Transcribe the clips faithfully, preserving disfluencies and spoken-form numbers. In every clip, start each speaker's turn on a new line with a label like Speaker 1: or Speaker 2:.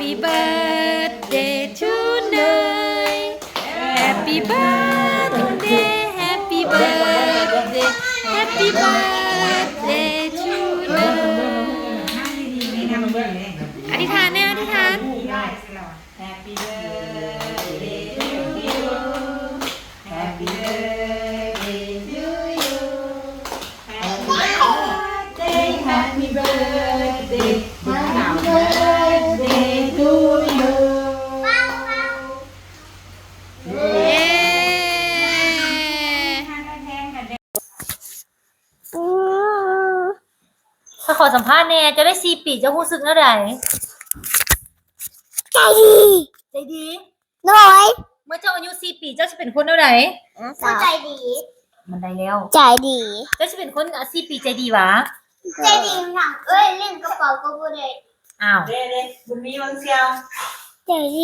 Speaker 1: Happy birthday to Ner Happy birthday Happy birthday Happy birthday to Ner อธิษฐานเนี่ยอธิษฐาน
Speaker 2: Happy birthday to you Happy birthday to you Happy birthday Happy birthday Happy birthday to you
Speaker 1: เย้ถ้าขอสัมภาษณ์เนี่ยจะได้สี่ปีจะรู้สึกเท่าไหร่
Speaker 3: ใจดี
Speaker 1: ใจดี
Speaker 3: น้อย
Speaker 1: เมื่อเจ้าอายุสี่ปีเจ้าจะเป็นคนเท่าไหร่
Speaker 3: ใจดี
Speaker 1: มันได้แล้ว
Speaker 3: ใจดี
Speaker 1: เจ้าจะเป็นคนสี่ปีใจดีวะ
Speaker 3: ใจดีหนังเอ้ยเล่นกระเป๋าก็บ่ได้
Speaker 1: อ้าว
Speaker 2: เด้เด้บุญมีวังเซียว
Speaker 3: ใจดี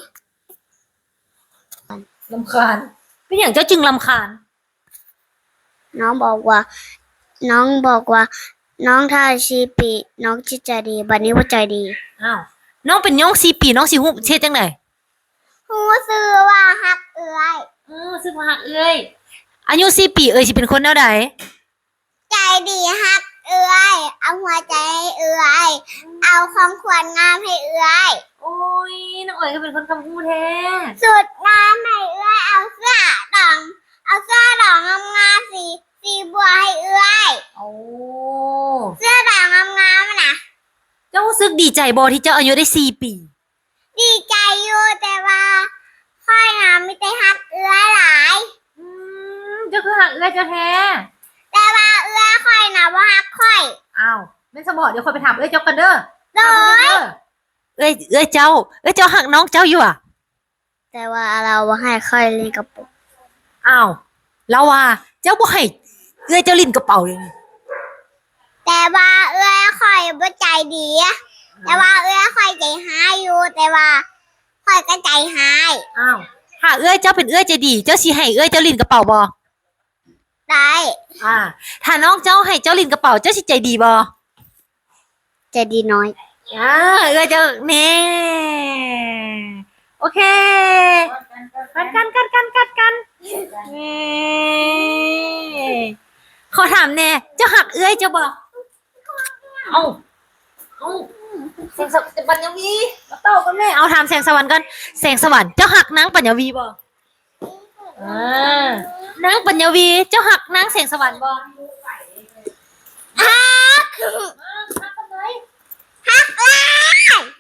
Speaker 1: ลำคาญเป็นอย่างเจ้าจึงลำคาญ
Speaker 3: น้องบอกว่า น้องบอกว่า น้องถ้าชีปีน้องจิตใจดีบัดนี้ว่าใจดี
Speaker 1: อ้าวน้องเป็นน้องสี่ปีน้องสิฮู้เฮ็ดจังได๋
Speaker 3: ฮู้ซื้อว่าฮักเอ้ย
Speaker 1: เออซึ่งว่าฮักเอ้ยอายุสี่ปีเอ้ยสิเป็นคนแนวใด
Speaker 3: ใจดีฮักเอ้ยเอาหัวใจให้เอ้ยเอาของขวัญงามให้เอ้ย
Speaker 1: โอ้ยน้องเอ้ยก็เป็นคนคำพูดแท้
Speaker 3: สุดงามให้เอ้ยเอาเสื้อดองเอาเสื้อดองงามๆสีสีบัวให้เอ้ย
Speaker 1: โอ้
Speaker 3: เสื้อดองงามๆน่ะ
Speaker 1: เจ้ารู้สึกดีใจบ่ที่เจ้าอายุได้สี่ปี
Speaker 3: ดีใจอยู่แต่ว่าค่อยนะไม่ได้ฮักเอื้อหลาย
Speaker 1: อืมเจ้าคือฮักเอ้ยเจ้าแท้
Speaker 3: แต่ว่าเอื้อค่อยนะว่าฮักค่อย
Speaker 1: อ้าวแม่นสมอเดี๋ยวคนไปถามเอ้ยเจ้ากันเด้อ
Speaker 3: โดย
Speaker 1: เอ้ยเอ้ยเจ้าเอ้ยเจ้าหักน้องเจ้าอยู่อ่ะ
Speaker 3: แต่ว่าเราว่าให้ค่อยเล่นกระปุก
Speaker 1: อ้าวแล้วว่าเจ้าบ่ให้เอ้ยเจ้าลิ้นกระเป๋าเลยนี่
Speaker 3: แต่ว่าเอื้อค่อยบ่ใจดีแต่ว่าเอื้อค่อยใจหายอยู่ แต่ว่าค่อยก็ใจหาย
Speaker 1: อ้าวถ้าเอ้ยเจ้าเป็นเอ้ยใจดี เจ้าสิให้เอ้ยเจ้าลิ้นกระเป๋าบ่
Speaker 3: ได้
Speaker 1: อ่า ถ้าน้องเจ้าให้เจ้าลิ้นกระเป๋าเจ้าสิใจดีบ่
Speaker 3: ใจดีน้อย
Speaker 1: อ่าเอ้ยเจ้าแน่โอเคกันกันกันกันกันกันเน่ขอถามแน่เจ้าหักเอ้ยเจ้าบ่เอ้าเอ้าแสงสวรรค์ปัญญวีมาเต้ากันแม่เอาถามแสงสวรรค์กันแสงสวรรค์เจ้าหักนางปัญญวีบ่อ่านางปัญญวีเจ้าหักนางแสงสวรรค์บ่
Speaker 3: ฮัก
Speaker 1: ฮักกันไหม
Speaker 3: ฮักหลาย